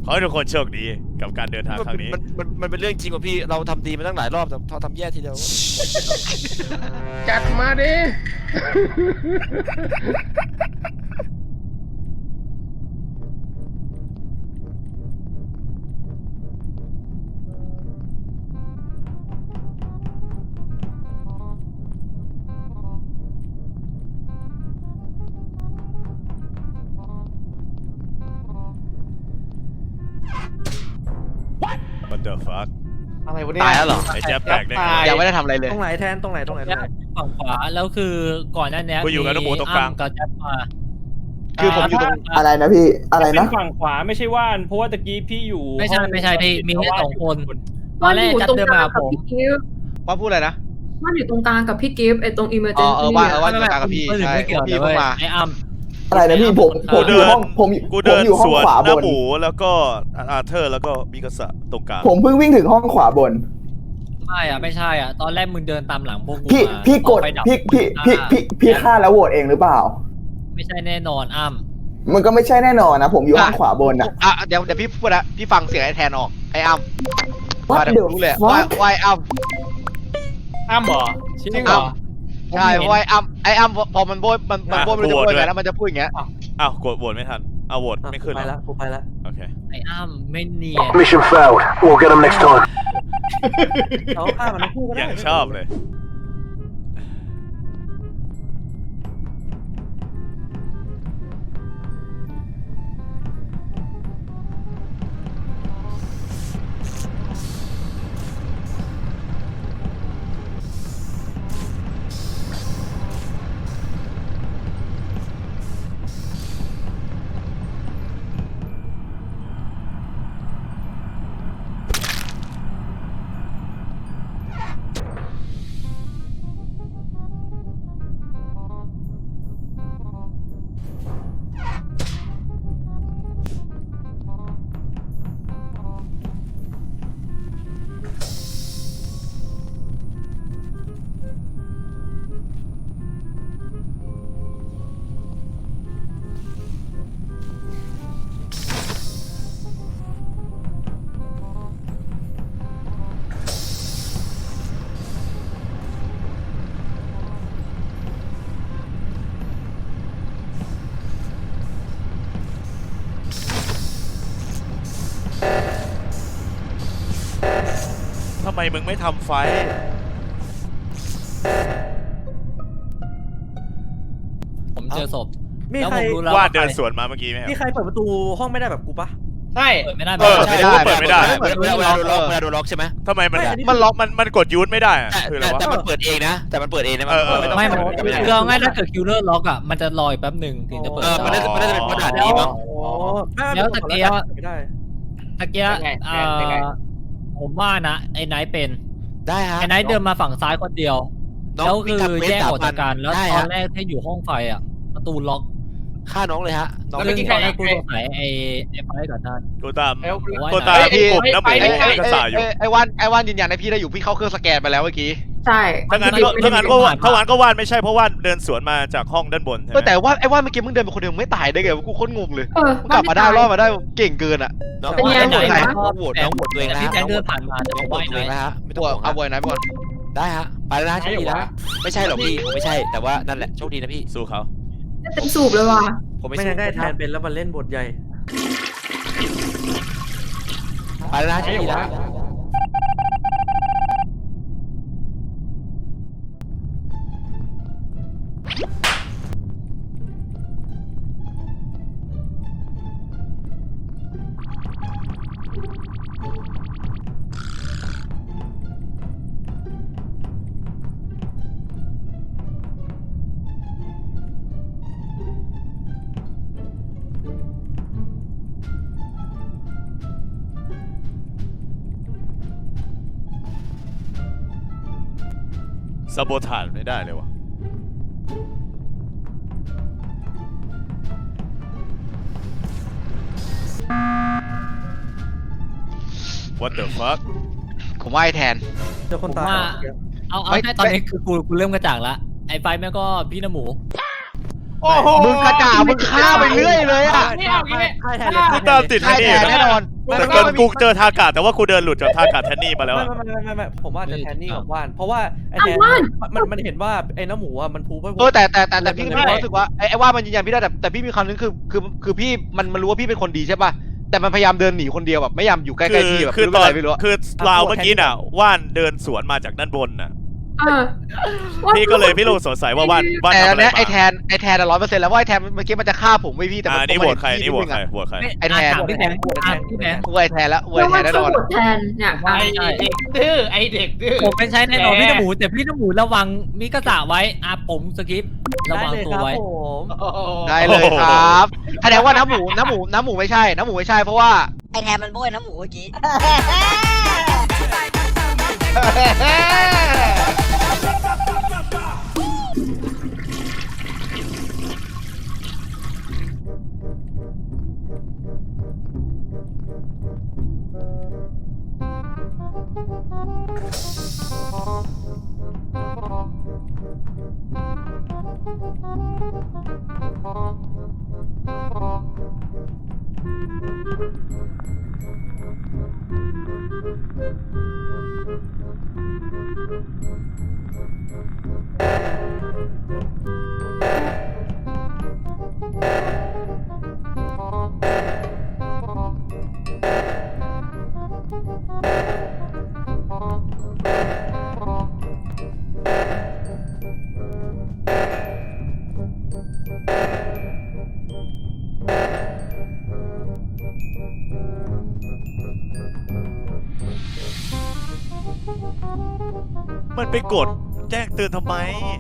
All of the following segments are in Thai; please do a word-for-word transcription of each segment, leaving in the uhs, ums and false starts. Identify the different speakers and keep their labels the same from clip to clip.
Speaker 1: อให้ทุกคนโชคดีกับการเดินทางครั้งนี้
Speaker 2: มันมันมันเป็นเรื่องจริงว่ะพี่เราทำดีมาตั้งหลายรอบแต่เราทำแย่ทีเดียว
Speaker 3: จัดมาดิ
Speaker 1: What the fuck
Speaker 4: อะไรวะเนี่ย
Speaker 5: ตายแล้วเหรอ
Speaker 1: ไอ้แจ๊บแตกได้ไง
Speaker 5: ยังไม่ได้ทำอะไรเลย
Speaker 4: ตรงไหนแทนตรงไหนตรงไหนตรงไหน
Speaker 6: ฝั่งขวาแล้วคือก่อนหน้านี้
Speaker 1: กูอยู่กับน้องหมูตรงกลาง
Speaker 6: กับแจ๊บมา
Speaker 5: คือผมอยู่ตรง
Speaker 7: อะไรนะพี่อะไร
Speaker 8: เป็
Speaker 7: นะ
Speaker 8: นฝั่งขวาไม่ใช่ว่านเพราะว่าตะกี้พี่อยู่
Speaker 6: ไม่ใช่ไม่ใช่พี่มีแค่สองคนตอ
Speaker 9: ว่าน น
Speaker 6: แร
Speaker 9: อก ยู่
Speaker 6: จัด
Speaker 9: ตรง
Speaker 6: เดิน
Speaker 9: ก
Speaker 6: มา
Speaker 9: ลาง
Speaker 6: หา
Speaker 9: กับ
Speaker 6: ผม
Speaker 9: พี่กิฟต์
Speaker 5: ว่าพูดอะไรนะ
Speaker 9: ว่านอยู่ตรงกลางกับพี่กิฟต์ไอ้ตรงอิมเมอร์เจ
Speaker 5: อ๋
Speaker 9: น
Speaker 5: อเอ
Speaker 9: ซี่
Speaker 5: อว่าเออว่าตรงกลางกับพี่ใช่
Speaker 6: ไม่เกี่ยว
Speaker 5: พี่
Speaker 6: เล
Speaker 5: เพิ่ง
Speaker 6: ย
Speaker 5: มา
Speaker 6: ไอ้อ้ํ
Speaker 7: อะไรนะพี่ผมผมอยู่ห้องผม
Speaker 1: กู
Speaker 7: ผ
Speaker 1: เดิ
Speaker 7: ม
Speaker 1: น
Speaker 7: อยู่ห้
Speaker 1: ส
Speaker 7: อง
Speaker 1: วน
Speaker 7: ขวา
Speaker 1: ห
Speaker 7: บ
Speaker 1: น้าน หมูแล้วก็อาเธอร์แล้วก็มิกาสะตรงกลาง
Speaker 7: ผมเพิ่งวิ่งถึงห้องขวาบน
Speaker 6: ไม่อ่ะไม่ใช่อ่ะตอนแรกมึงเดินตามหลังพวกกู
Speaker 7: พี่
Speaker 6: มา
Speaker 7: พี่กด
Speaker 6: ไฟดับ
Speaker 7: พี่พี่พี่พี่พี่ฆ่าแล้วโหวตเองหรือเปล่า
Speaker 6: ไม่ใช่แน่นอนอ้ํ
Speaker 7: มันก็ไม่ใช่แน่นอนนะผมอยู่ห้องขวาบนอ่ะ
Speaker 5: อ่ะเดี๋ยวเดี๋ยวพี่พูดนะพี่ฟังเสียงไอ้แทนออกไอ้อ้ำ
Speaker 7: What
Speaker 5: ว่าเดี๋ยวรู้เลย
Speaker 7: the
Speaker 5: ว่า
Speaker 7: fuck
Speaker 5: ว่าไอ้อ้ำ
Speaker 8: อ้ำเหรอ
Speaker 6: จริง
Speaker 8: จริง
Speaker 6: เห
Speaker 8: เห
Speaker 6: ร
Speaker 8: ร
Speaker 6: อ
Speaker 8: อ
Speaker 5: ใช่เพราะไอ้อ้ำไอ้อ้ำพอมันโบยมันมันโบยมันจะโบยไงแล้วมันจะพูดอย่างเงี้ย
Speaker 1: อ้าวกดโหวตไม่ทันเอาโหวตไม่ขึ้น
Speaker 4: ไป
Speaker 1: เหร
Speaker 4: แล้
Speaker 1: อ
Speaker 4: วกูไปแล้ว
Speaker 1: โอเค
Speaker 6: ไอ้อ้ํไม่เนียน
Speaker 10: Mission failed. We'll get them next time.
Speaker 4: เราฆ่ามันทั้งคู่ก็
Speaker 1: อ
Speaker 4: ได้
Speaker 1: ย่างชอบเลยทำไมมึงไม่ทำไฟ
Speaker 6: ผมเจอศพ
Speaker 4: มี
Speaker 6: แล้ว
Speaker 4: ใคร
Speaker 6: ผมรู้แล้ว
Speaker 1: ว่า
Speaker 6: ว่า
Speaker 1: เดินสวนมาเมื่อกี้ไหมครับ
Speaker 4: มีใครเปิดประตูห้องไม่ได้แบบกูปะ
Speaker 8: ใช่
Speaker 6: เปิดไม่ได้
Speaker 1: เออ
Speaker 6: ใช่
Speaker 1: เปิดไม่ได้
Speaker 2: เวลาเวลาโดนล็อกเวลาโดนล็อกใช่ไหม
Speaker 1: ทำไมมัน
Speaker 4: ไม่อันนี้
Speaker 1: มันล็อกมันมันกดยูทไม่ได้อะ
Speaker 2: แต่
Speaker 1: คืออะไร
Speaker 2: แต่
Speaker 1: วะ
Speaker 2: มันเปิดเองนะ แต่มันเปิดเองนะ
Speaker 1: เออเออ
Speaker 6: ไม่มัน
Speaker 2: ไม่ได้
Speaker 6: คือเอาง่ายถ้าเกิดคิวเลอร์ล็อกอ่ะมันจะรออีกแป๊บหนึ่งถึงจะเปิด
Speaker 2: เออมันน่าจะมันน่าจะเป็นเพราะด่านนี้มั้ง
Speaker 4: โอ้ไม่ไม่
Speaker 6: แล้วตะเกียบ
Speaker 4: ไม่ได้
Speaker 6: ตะเกียบเอ่อผมว่านะไอ้ไนท์เป็น
Speaker 2: ได้ฮะ
Speaker 6: ไอ้ไนท์เดินมาฝั่งซ้ายคนเดียว
Speaker 2: น้อง
Speaker 6: แล้วคือ
Speaker 2: วิ่ง
Speaker 6: แยก
Speaker 2: ทำ
Speaker 6: ออกจากกันแล้ว
Speaker 2: ได้
Speaker 6: ตอ
Speaker 2: ฮะ
Speaker 6: นแรกที่อยู่ห้องไฟอ่ะประตูล็อก
Speaker 2: ฆ่าน้องเลยฮะน้อง
Speaker 6: ซึ่งตอนแรกกูสงสัยไอ้ไอ้ไฟก่อนท่าน
Speaker 1: กูตาม
Speaker 8: เอล
Speaker 1: กูตาม
Speaker 5: เอ้ย
Speaker 1: พี่กลุ่มน้ำหมู
Speaker 5: ไอ้ไอ้
Speaker 1: มิกาสะอยู่
Speaker 5: ไอ้ไอ้วันไอ้วันยืนยันให้พี่ได้อยู่พี่เข้าเครื่องสแกนไปแล้วเมื่อกี้
Speaker 9: ใช่
Speaker 1: ถ้างั้นก็ถ้างั้นก็ว่าถ้างั้นก็ว่านไม่ใช่เพราะว่านเดินสวนมาจากห้องด้านบนใช่ไห
Speaker 5: เออแต่
Speaker 1: ม
Speaker 5: ว่าไอ้ว่าเมื่อกี้มึงเดินไปคนเดียวมึงไม่ตายได้ไงวะกูโคตรงงเลย
Speaker 9: เออ
Speaker 5: มึงกลับมาได้รอดมาได้เก่งเกินอ่ะ
Speaker 2: น้อง
Speaker 9: เป็นไง
Speaker 2: น้องโหวต
Speaker 9: ไหน
Speaker 2: น้องโหวตน้องโหวตตัวเองแล้ว
Speaker 6: ที่
Speaker 2: ฮะ
Speaker 6: แจ็คเดินผ่านมาจะ
Speaker 2: น้
Speaker 6: บ
Speaker 2: อ
Speaker 6: อง ก
Speaker 2: โหว
Speaker 6: ว่า
Speaker 2: ต
Speaker 6: ไอ้
Speaker 2: ตัวเอง
Speaker 6: ไนท์
Speaker 2: แล้วฮะไม่ต้องห่วง
Speaker 5: เอา
Speaker 2: ฮะ
Speaker 5: บอยนะบอย
Speaker 2: ได้ฮะไปแล้วนะโชคดีนะไม่ใช่หรอกพี่ผมไม่ใช่แต่ว่านั่นแหละโชคดีนะพี่
Speaker 1: สู้เขา
Speaker 9: เต็มสูบเลยว่ะ
Speaker 2: ผมไม่
Speaker 4: ไม่
Speaker 2: ใช่
Speaker 4: งั้นได้แทนเป็นแล้วมันเล่นบทใหญ่
Speaker 2: ไปแล้วนะโชคดีนะ
Speaker 1: ซาโบทานไม่ได้เลยวะ What the fuck
Speaker 5: ผมว่าไอ้แทน
Speaker 4: เจอคนตาย
Speaker 6: เอาเอา
Speaker 5: ไม่
Speaker 6: แค่ตอนนี้คือกูกูเริ่มกระจ่างละไอ้ไฟแม่งก็พี่น้ำหมู
Speaker 8: โอ้โห
Speaker 5: มึงกระจ่ามึงฆ่าไปเรื่อยเลยอ่ะ
Speaker 8: นี่เอางี้
Speaker 4: ค่ายแทน
Speaker 1: กูตามติด
Speaker 5: ใช่
Speaker 1: แทนนี่
Speaker 5: แทนแน่นอน
Speaker 1: แต่เกินกูเจอทากาแต่ว่ากูเดินหลุดจากทากาแทนนี่มาแล้ว
Speaker 4: ไม่
Speaker 1: อะ
Speaker 4: ไม่ไม่ไม่ไม่ผมว่าจะแทนนี่กับว่าน เพราะว่าไอ้แทนมันมันเห็นว่าไอ้น้ำหมูอ่ะมันพูดว่า
Speaker 5: เออแต่แต่แต่แต่พี่ก็มีความรู้สึกว่าไอ้ไอ้ว่ามันยืนยันพี่ได้แต่แต่พี่มีความนึงคือคือคือพี่มันมันรู้ว่าพี่เป็นคนดีใช่ป่ะแต่มันพยายามเดินหนีคนเดียวแบบไม่ยอมอยู่ใกล้ๆพี่แบบ
Speaker 1: คือ
Speaker 5: ไม่
Speaker 1: ต
Speaker 5: รู้
Speaker 1: อ
Speaker 5: อะ
Speaker 1: น
Speaker 5: ไรไม่รู้
Speaker 1: คือราวเมื่อกี้น่ะว่านเดินสวนมาจากด้านบนน่ะ
Speaker 9: เออ
Speaker 1: พี่ก็เลยพี่โลสงสัยว่าว่านว่าน
Speaker 5: แต่
Speaker 1: ทำ
Speaker 5: อั
Speaker 1: อะ
Speaker 5: น
Speaker 1: ไร
Speaker 5: เนี้ย
Speaker 1: มา
Speaker 5: ไอ้แทนไอ้แทนร้อยเปอร์เซ็นต์แล้วว่าไอ้แทนเมื่อกี้มันจะฆ่าผมไว้พี่แต่
Speaker 1: อ่า
Speaker 5: มัน
Speaker 1: นี่โหวตใคร
Speaker 5: มั
Speaker 1: นี่โหวต
Speaker 5: ด
Speaker 1: ใครโหวตใคร
Speaker 5: ไอ้แทน
Speaker 6: ถามพี่แบงค์ถามพี่แบงค์
Speaker 5: กูไอ้แทนแล้วกู
Speaker 9: แล้
Speaker 5: ไอ้
Speaker 9: ว
Speaker 5: แท
Speaker 9: มัน น
Speaker 5: แน่นอน
Speaker 9: สะกดแทนเนี่ย
Speaker 8: ไอเด็กดื้อไอเด็กดื้อ
Speaker 6: ผมไม่ใช่แน่นอนพี่น้ำหมูแต่พี่น้ำหมูระวังมิกาสะไว้อ่ะผมสกิประ
Speaker 4: ได้
Speaker 6: วัง
Speaker 4: เลย
Speaker 6: ตัว
Speaker 4: ครับ
Speaker 6: ไว้
Speaker 4: ผม
Speaker 5: ได้เลยครับแสดงว่าน้ำหมูน้ำหมูน้ำหมูไม่ใช่น้ำหมูไม่ใช่เพราะว่า
Speaker 11: ไอแทนมันโบยน้ำหมูเมื่อกี้
Speaker 1: มันไปกดแจ้งเตือนทำไม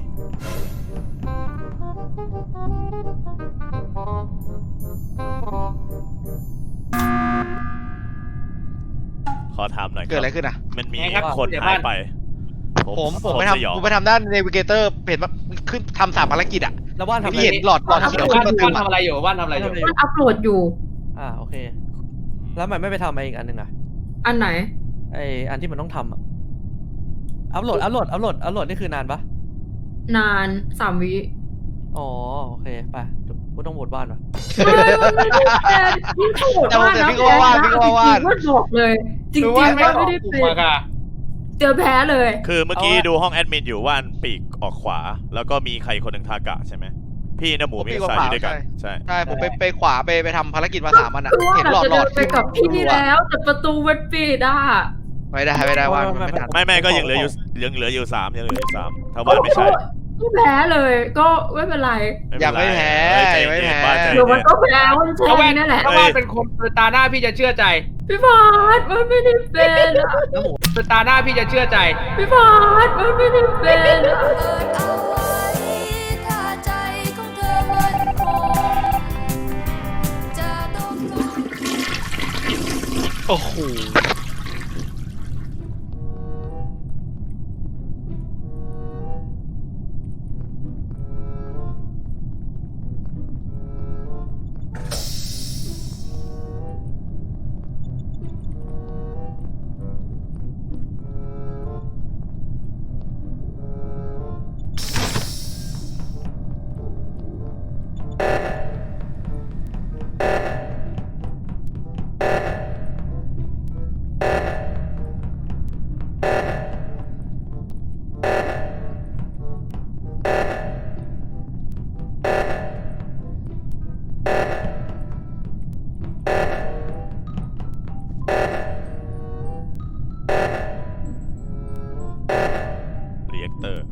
Speaker 1: ขอถามหน่อยค
Speaker 5: เกิด
Speaker 1: รับ
Speaker 5: อะไรขึ้นอ่ะ
Speaker 1: มันมี
Speaker 8: ไงครับ
Speaker 1: คน
Speaker 8: เดี๋ยว
Speaker 1: หาย
Speaker 8: บ้าน
Speaker 1: ไป
Speaker 5: ผมผมไป
Speaker 1: สยอง
Speaker 5: ทำผมไปทำด้านเนวิเกเตอร์เห็นว่าขึ้นทำสามภารกิจอ่ะ
Speaker 4: แล้วว่านทำอะไร
Speaker 5: พี่เห็นหลอดหลอดเขียวขึ้นมาตึม
Speaker 8: ว่านทำอะไรอยู่ว่านทำอะไรอยู่
Speaker 9: มันอัพโหลดอยู่
Speaker 4: อ่าโอเค แล้วมันไม่ไปทำอะไรอีกอันหนึ่งอ่ะ
Speaker 9: อันไหน
Speaker 4: ไออันที่มันต้องทำอ่ะ อัพโหลด อัพโหลด อัพโหลด อัพโหลดนี่คือนานปะ
Speaker 9: นานสามวิ
Speaker 4: อ๋อโอเคไปกูต้องโหวตว่านวะ
Speaker 9: ยิ่งโหด
Speaker 5: แต่ผม
Speaker 9: ว่า
Speaker 5: แต่
Speaker 9: นะ
Speaker 5: พี่ก็ว่าว่าพี่ก็ว่าว่า
Speaker 9: จริงๆว่าบอกเลย จริง
Speaker 8: คือ
Speaker 9: ๆ
Speaker 8: ว่า
Speaker 9: ว่า
Speaker 8: ไม่
Speaker 9: ไม่
Speaker 8: ได้
Speaker 9: ได้
Speaker 8: ถูก
Speaker 9: เป็น
Speaker 8: มากอะ
Speaker 9: เจอแพ้เลย
Speaker 1: คือเมื่อกี้
Speaker 4: เอาอะ
Speaker 1: ดูห้องแอดมินอยู่ว่านปีกออกขวา แล้วก็มีใครคนหนึ่งทากะใช่ไหม พี่น้ำหมู
Speaker 5: ผม
Speaker 1: มี
Speaker 5: ปีก
Speaker 1: สาย
Speaker 5: ขวา
Speaker 1: อยู่ด้วยกัน
Speaker 5: ใช่
Speaker 1: ใช่
Speaker 5: ใช่ผมไปไปขวาไปไปทำภารกิจมาสามอันอ่ะ
Speaker 9: คือว่า
Speaker 5: เห็นหลอด
Speaker 9: จะ
Speaker 5: หล
Speaker 9: เดิ
Speaker 5: อด
Speaker 9: นไปกับพี่แล้วแต่ประตูมันปิดอ่ะ
Speaker 5: ไม่ได้ไม่ได้ว่ามันไม่ทัน
Speaker 1: ไม่ไม่ก็ยังเหลืออยู่ยังเหลืออยู่สามยังเหลืออยู่สามถ้าว่านไม่ใช่
Speaker 9: ก็แพ้เลย ก็ไม่เป็นไร
Speaker 5: ยังไม่แพ้
Speaker 1: เอ้ยใจ
Speaker 5: ยังไม่
Speaker 1: เย็น
Speaker 5: แพ้
Speaker 1: บ้านใจ
Speaker 9: เดี๋ยว
Speaker 1: เย็
Speaker 9: มัน
Speaker 1: น
Speaker 9: ก็แพ้วันแช
Speaker 8: ถ้าว่าน
Speaker 9: ร์นั่นแหละ
Speaker 8: ถ้าว่านเป็นคนตาหน้าพี่จะเชื่อใจ
Speaker 9: พี่พาดมันไม่ได้เป็นอะ
Speaker 4: น้ำหมู
Speaker 8: ตาหน้าพี่จะเชื่อใจ
Speaker 9: พี่พาดมันไม่ได้เป็นอะ
Speaker 5: โอ้โห
Speaker 1: เรียกเตอร์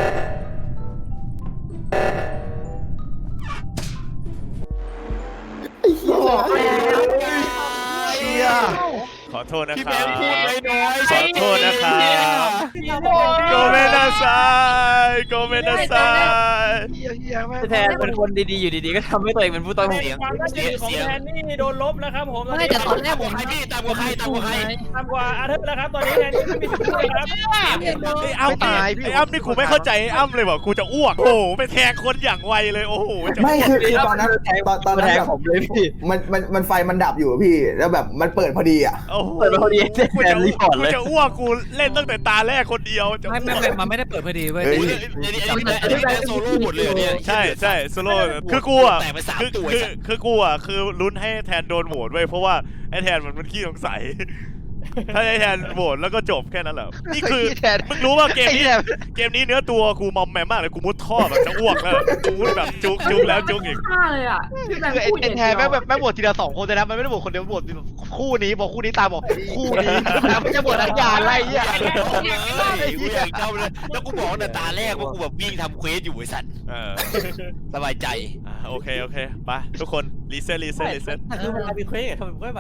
Speaker 5: เชี่ย
Speaker 1: ขอโทษนะ
Speaker 2: พี่
Speaker 1: ค
Speaker 2: แบ
Speaker 1: รับ
Speaker 2: งค์พูดน้อยๆ
Speaker 1: ขอโทษนะครับโกเมนาไซโกเมนาไซ
Speaker 5: เฮียเฮียแม่ง
Speaker 2: แทนเป็นคนดีๆอยู่ดีๆก็ทำให้ตัวเองเป็นผู้ต้องเสียง
Speaker 8: ความน่าเชื่อถือของแทนนี่โดนลบแล้วครับผม
Speaker 6: ไม่แต่ตอนแรกผม
Speaker 2: ใครพี่ตามกว่าใครตามกว่าใคร
Speaker 8: ทำกว่าอาเธอร์แล้วครับตอนนี้แทนนี่ไม่มีสิทธิ์เลยครับ
Speaker 1: ไอ้อ้ำไอ้อ้ำนี่กูไม่เข้าใจไอ้อ้ำเลยว่ะกูจะอ้วกโอ้โหไปแทงคนอย่างไวเลยโอ้โหจะ
Speaker 7: ไม่คือคือตอนนั้นตอนตอนนั้น
Speaker 2: แทง
Speaker 7: แบบ
Speaker 2: ผมเลยพี่
Speaker 7: มันมันมันไฟมันดับอยู่อะพี่ แล้วแบบมันเปิดพอดีอ่ะ
Speaker 1: โอ้โห
Speaker 2: เปิดมาพอดี
Speaker 1: กู
Speaker 2: แท
Speaker 1: จะ
Speaker 2: นรีพอร์ตเลย
Speaker 1: กูจะอ้วกกูเล่นตั้งแต่ตาแรกคนเดียวจะ
Speaker 6: ไม่ไม่ไม่มันไม่ได้เปิดพอดีเว้ย
Speaker 7: เฮ้ย
Speaker 2: อันนี้อันนี้อันนี้โซโล่หมดเลยเหรอเนี่ย
Speaker 1: ใช่ใช่โซโล่คือกูอ่ะ
Speaker 2: แต่ไปสาม
Speaker 1: คือ
Speaker 2: ตัว
Speaker 1: คือคือกูอ่ะคือลุ้นให้แทนโดนโหวตไว้เพราะว่าไอ้แทนมันมันขี้สงสัย ถ้าไอ้แทนโหวตแล้วก็จบแค่นั้นแหละนี่คือ
Speaker 5: แทน
Speaker 1: มึงรู้ว่าเกม
Speaker 5: ไอ้
Speaker 1: นี้
Speaker 5: แทน
Speaker 1: เกมนี้เนื้อตัวกูมอมแมมมากเลยกูมุดท่อแบบจะอ้วกแล้วกูมุดแบบจุกจุกแล้วจุกอีก
Speaker 9: ฆ่าเลยอ่ะพี่แบง
Speaker 5: คือ
Speaker 9: ค์
Speaker 5: ไอ้
Speaker 9: พูดอ
Speaker 5: ไอ้
Speaker 9: ย่าง
Speaker 5: แท
Speaker 9: เดี
Speaker 5: นแม่ง
Speaker 9: ยว
Speaker 5: แบบแม่งบวชทีละสองคนเลยนะมันไม่ได้บวชคนเดียวบวชคู่นี้บอกคู่นี้ตามบอกคู่นี้แล้วไม่จะบวชอาญาอะไรเงี้ย
Speaker 2: กูอยากเจ้าเลยแล้วกูบอกตั้งแต่ตาแรกว่ากูแบบวิ่งทำเควสอยู่ไอ้สัตว์
Speaker 1: เออ
Speaker 2: สบายใจ
Speaker 1: อ่ะโอเคโอเคไปทุกคนรีเซ็ตรีเซ็ตรีเซ็ต
Speaker 4: แต่คือเวลามีเควสทำไมไม่